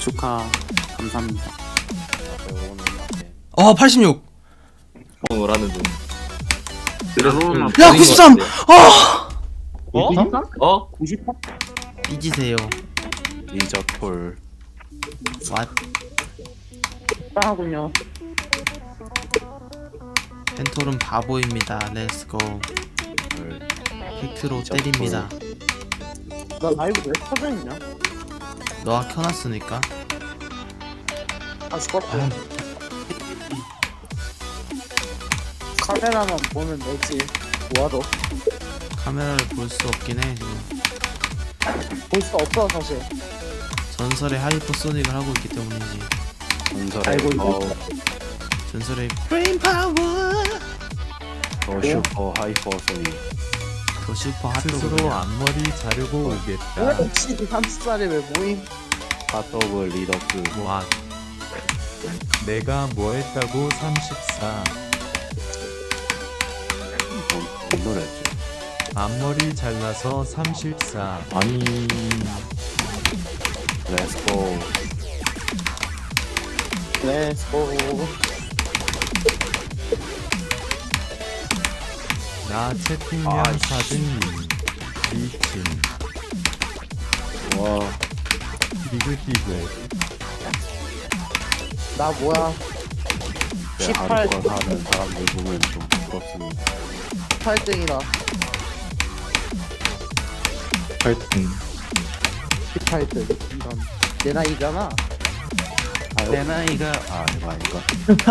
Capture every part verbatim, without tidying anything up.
축하 감사합니다. 어 팔십육. 을 하는 중. 들어놓은 야 구십삼. 아 어? 어? 구십삼? 삐지세요. 리저톨 왓 빵하군요. 펜톨은 바보입니다. 렛츠고. 팩트로 때립니다. 나 라이브 왜 켜져 있냐? 너가 켜놨으니까. 아 죽었다. 카메라만 보면 되지. 뭐하러? 카메라를 볼 수 없긴 해 지금. 볼 수가 없어 사실. 전설의 하이퍼소닉을 하고 있기 때문이지. 전설의 알고 있네. 더, 전설의 브레인 파워. 더 슈퍼 하이퍼 소닉 더 슈퍼 스스로 핫도그. 앞머리 자르고 오겠다. 혹시 삼십 살에 왜 모임? 핫도그 리더스 와 내가 뭐 했다고 삼십사. 어, 이 노래지 앞머리 잘라서 삼십사. 아니 렛츠고 렛츠고. 나 채팅량 아이씨. 사등님. 미친. 와 디글디글. 나 뭐야? 내 십팔. 하루가 사는 사람들 보면 좀 부럽습니다. 팔 등이다. 팔 등 십팔 등. 이런. 내 나이잖아. 내 나이가 아 이거 아닌가?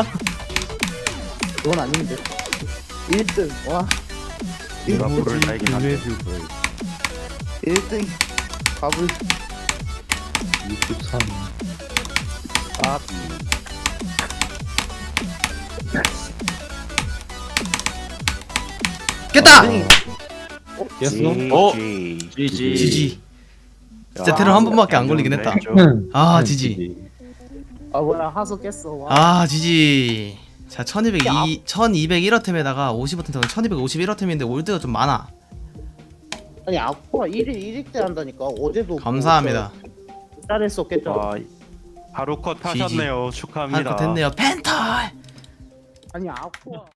그건 아닌데. 일 등. 와. 내가 이모지 불을 달긴 한데 블레드블. 일 등. 밥을. 육십삼 아. 깼다. 어? 지지 지지. 진짜 테러 한 번밖에 안 걸리긴 했다. 아 지지. 아 뭐야 하소 깼어. 와. 아 지지. 자 천이백이 천이백일 어템에다가 오십 어템 천이백오십일 어템인데 올드가 좀 많아. 아니 아쿠아 일 일 일 대 한다니까. 어제도. 감사합니다. 잘했었겠죠. 와 하루컷 하셨네요. 축하합니다. 한컷 됐네요. 펜털. 아니 아쿠아.